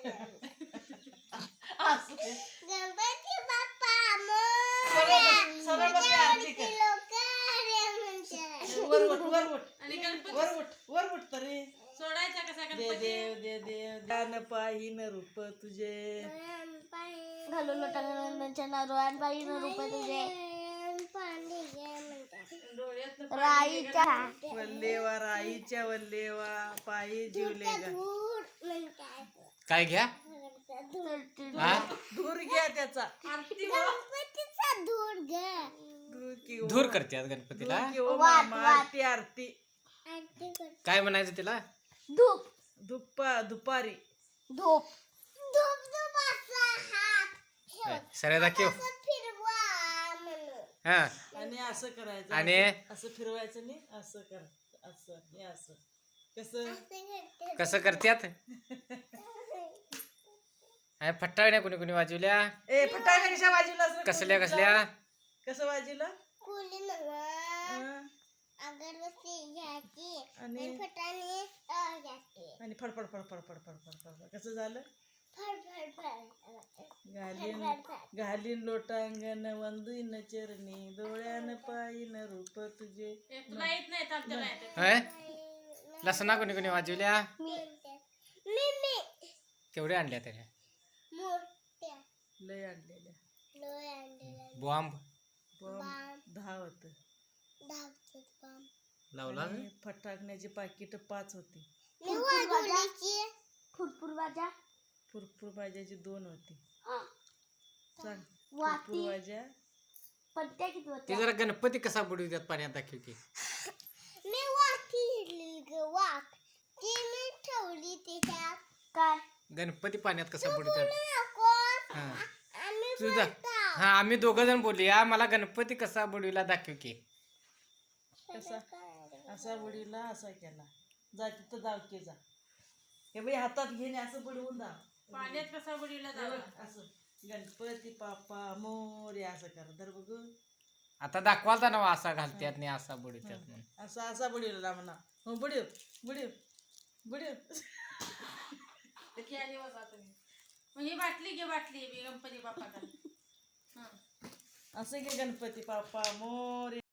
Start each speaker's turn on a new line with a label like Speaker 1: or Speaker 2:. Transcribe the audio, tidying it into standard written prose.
Speaker 1: गणपती बाप्पा सरळ बस आरती कर. वर उठ
Speaker 2: आणि गणपती
Speaker 1: वर उठ तरी.
Speaker 2: सोडायचा कसा
Speaker 1: दे
Speaker 2: गणपती?
Speaker 1: देव दे देव दान पाहिन रूप तुझे.
Speaker 3: घालू लोटांगणाच्या नारळान पाहिन रूप तुझे.
Speaker 2: डोळ्यातनं
Speaker 3: राईच्या
Speaker 1: वल्लेवा राईच्या वल्लेवा पायी जीवले गा.
Speaker 4: काय घ्या हा
Speaker 1: धूर घ्या त्याचा.
Speaker 2: आरती
Speaker 1: धूर की
Speaker 4: धूर करतात गणपतीला.
Speaker 1: धूर की ओ
Speaker 3: वाट,
Speaker 1: मामा,
Speaker 3: वाट.
Speaker 1: आरती आरती.
Speaker 4: काय म्हणायचं तिला?
Speaker 3: धूप
Speaker 1: दुपारी
Speaker 3: धूप
Speaker 4: सरे दाखव. हा
Speaker 1: आणि असं करायचं.
Speaker 4: आणि
Speaker 1: असं फिरवायचं नाही. असं कर असं हे असं कसं
Speaker 4: कसं करतात? फटाकड्या कोणी कोणी वाजवल्या?
Speaker 1: ए फटाका कशा वाजवला असं?
Speaker 4: कसल्या कसल्या?
Speaker 1: कसं वाजवलं?
Speaker 3: अगरबत्ती घ्यायची
Speaker 1: आणि
Speaker 3: फटाने
Speaker 1: आणि फडफड फडफड फडफड फडफड कसं झालं? घालीन लोटांगण वंदीन चरणी डोळ्यान पायीन रूप तुझे.
Speaker 2: तुला येत नाही तर आमच्या नाही येत.
Speaker 4: होय लसणा कोणी कोणी वाजवल्या?
Speaker 3: मी
Speaker 4: केवढ्या आणल्या त्याने?
Speaker 3: मोठ्या
Speaker 1: लय आणलेल्या.
Speaker 3: लोय आणलेला
Speaker 4: बॉम्ब
Speaker 1: बॉम्ब 10 होत.
Speaker 3: धावतात काम
Speaker 4: लावला?
Speaker 1: आणि फटाकण्याची पाकिट 5 होती.
Speaker 3: मी वाजवलीची फुरफुर वाजा
Speaker 1: फुरफुर भाज्याची 2 होती. सांग
Speaker 3: वाती
Speaker 1: फुरफुर भाज्या.
Speaker 3: पट्ट्या किती
Speaker 4: ते
Speaker 3: होत्या?
Speaker 4: जरा गणपती कसा बुडवितात पाण्यात दाखव की.
Speaker 3: मी वाटी घेतली ग वाट ती मी ठेवली त्याच्यात. काय
Speaker 4: गणपती पाण्यात कसा बुडवितात?
Speaker 3: नको
Speaker 4: हा
Speaker 3: आम्ही
Speaker 4: तुझा हा आम्ही दोघं जण बोलूया. मला गणपती कसा बुडविला दाखव की.
Speaker 1: कसा असा बुडीला असा केला. जा तिथं जाव की जा. हे बाई हातात घेणे असं बुडवून जा.
Speaker 2: पाण्यात कसा बुडीला जावा?
Speaker 1: असं गणपती बाप्पा मोरया असं कर. धर बघू.
Speaker 4: आता दाखवालता ना असा घालतात नाही असा बुडवितात म्हणून.
Speaker 1: असा बुडीला म्हणा. हो बुडीव बुडीव बुडीव.
Speaker 2: खेळाली बघा तुम्ही. मग ही बाटली घे बाटली मी गणपती बाप्पाकडे.
Speaker 1: असं घे गणपती बाप्पा मोरया.